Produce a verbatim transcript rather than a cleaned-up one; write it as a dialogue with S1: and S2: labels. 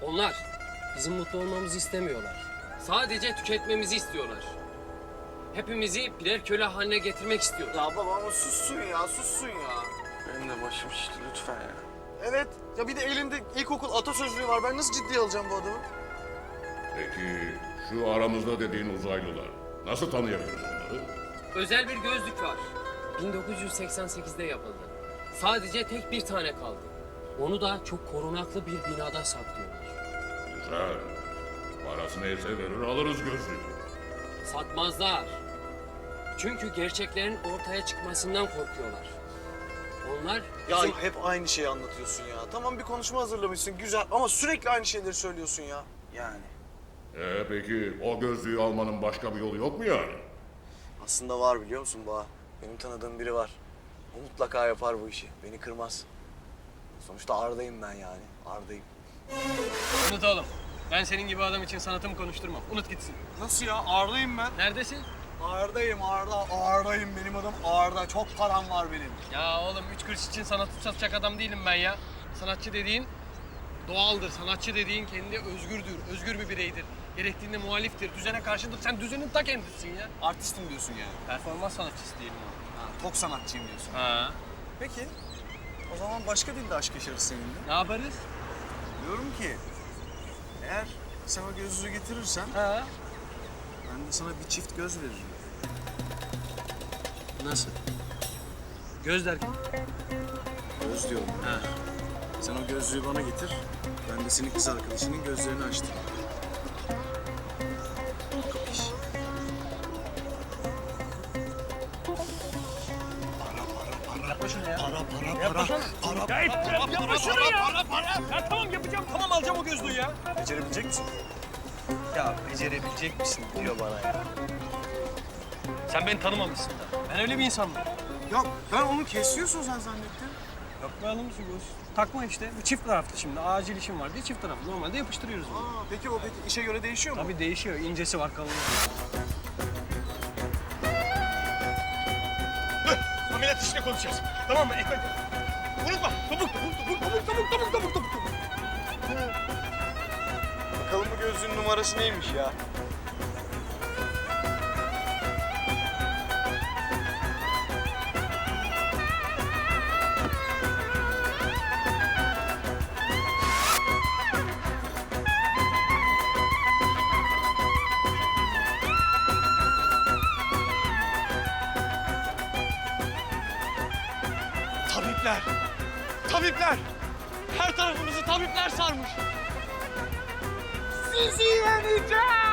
S1: Onlar bizim mutlu olmamızı istemiyorlar. Sadece tüketmemizi istiyorlar. Hepimizi birer köle haline getirmek istiyor.
S2: Ya baba ama sussun ya, sussun ya.
S3: Benim de başım şişti lütfen ya.
S2: Evet, ya bir de elinde ilkokul atasözlüğü var. Ben nasıl ciddiye alacağım bu adamı?
S4: Peki şu aramızda dediğin uzaylılar. Nasıl tanıyabiliriz onları?
S1: Özel bir gözlük var. bin dokuz yüz seksen sekizde yapıldı. Sadece tek bir tane kaldı. Onu da çok korunaklı bir binada saklıyorlar.
S4: Güzel. Parası neyse verir alırız gözlüğü.
S1: Satmazlar. Çünkü gerçeklerin ortaya çıkmasından korkuyorlar. Onlar
S2: Ya
S1: bizim...
S2: hep aynı şeyi anlatıyorsun ya. Tamam bir konuşma hazırlamışsın, güzel ama sürekli aynı şeyleri söylüyorsun ya. Yani.
S4: Ee, peki o gözlüğü almanın başka bir yolu yok mu yani?
S2: Aslında var biliyor musun Baha? Benim tanıdığım biri var. O mutlaka yapar bu işi. Beni kırmaz. Sonuçta Arda'yım ben yani. Arda'yım.
S5: Unut oğlum. Ben senin gibi adam için sanatımı konuşturmam. Unut gitsin.
S2: Nasıl ya? Arda'yım ben.
S5: Neredesin?
S2: Arda'yım Arda. Arda'yım benim adım Arda. Çok param var benim.
S5: Ya oğlum üç kuruş için sanatı satacak adam değilim ben ya. Sanatçı dediğin doğaldır. Sanatçı dediğin kendi özgürdür. Özgür bir bireydir. Gerektiğinde muhaliftir. Düzene karşıdır. Sen düzenin ta kendisisin ya.
S2: Artistim diyorsun yani.
S5: Performans sanatçısı diyelim ona.
S2: Ha, tok sanatçıyım diyorsun.
S5: Ha.
S2: Peki. O zaman başka dilde aşk yaşarız seninle.
S5: Ne yaparız?
S2: Diyorum ki eğer sen o gözlüğü getirirsen
S5: Ha.
S2: ben de sana bir çift göz veririm.
S5: Nasıl? Göz derken?
S2: Göz diyorum.
S5: Ha.
S2: Sen o gözlüğü bana getir. Ben de senin kız arkadaşının gözlerini açtım. Kapış.
S5: Yapma şunu ya.
S2: Para para
S5: Yapma
S2: para.
S5: şunu.
S2: Para
S5: Ya,
S2: para
S5: yapma
S2: para para
S5: şunu
S2: para
S5: ya.
S2: para para.
S5: Ya tamam yapacağım. Tamam alacağım o gözlüğü ya.
S2: Becerebilecek misin?
S3: Ya becerebilecek misin diyor bana ya.
S5: Sen beni tanımamışsın da. Ben öyle bir insan mıyım?
S2: Ya ben onu kesiyorsun sen zannettim.
S5: Yapmayalım şu göz. Takma işte. Bu çift taraflı şimdi. Acil işim var diye çift taraflı. Normalde yapıştırıyoruz bunu.
S2: Aa, peki o peki işe göre değişiyor mu?
S5: Tabii değişiyor. İncesi var, kalını var.
S6: Ameliyat işine konuşacağız. Tamam mı? Ekmek. Unutma. Topuk, topuk, topuk, topuk, topuk, topuk, topuk, topuk, topuk.
S2: Bakalım bu gözlüğün numarası neymiş ya?
S6: Tabipler. Tabipler. Her tarafımızı tabipler sarmış. Sizi yeneceğim.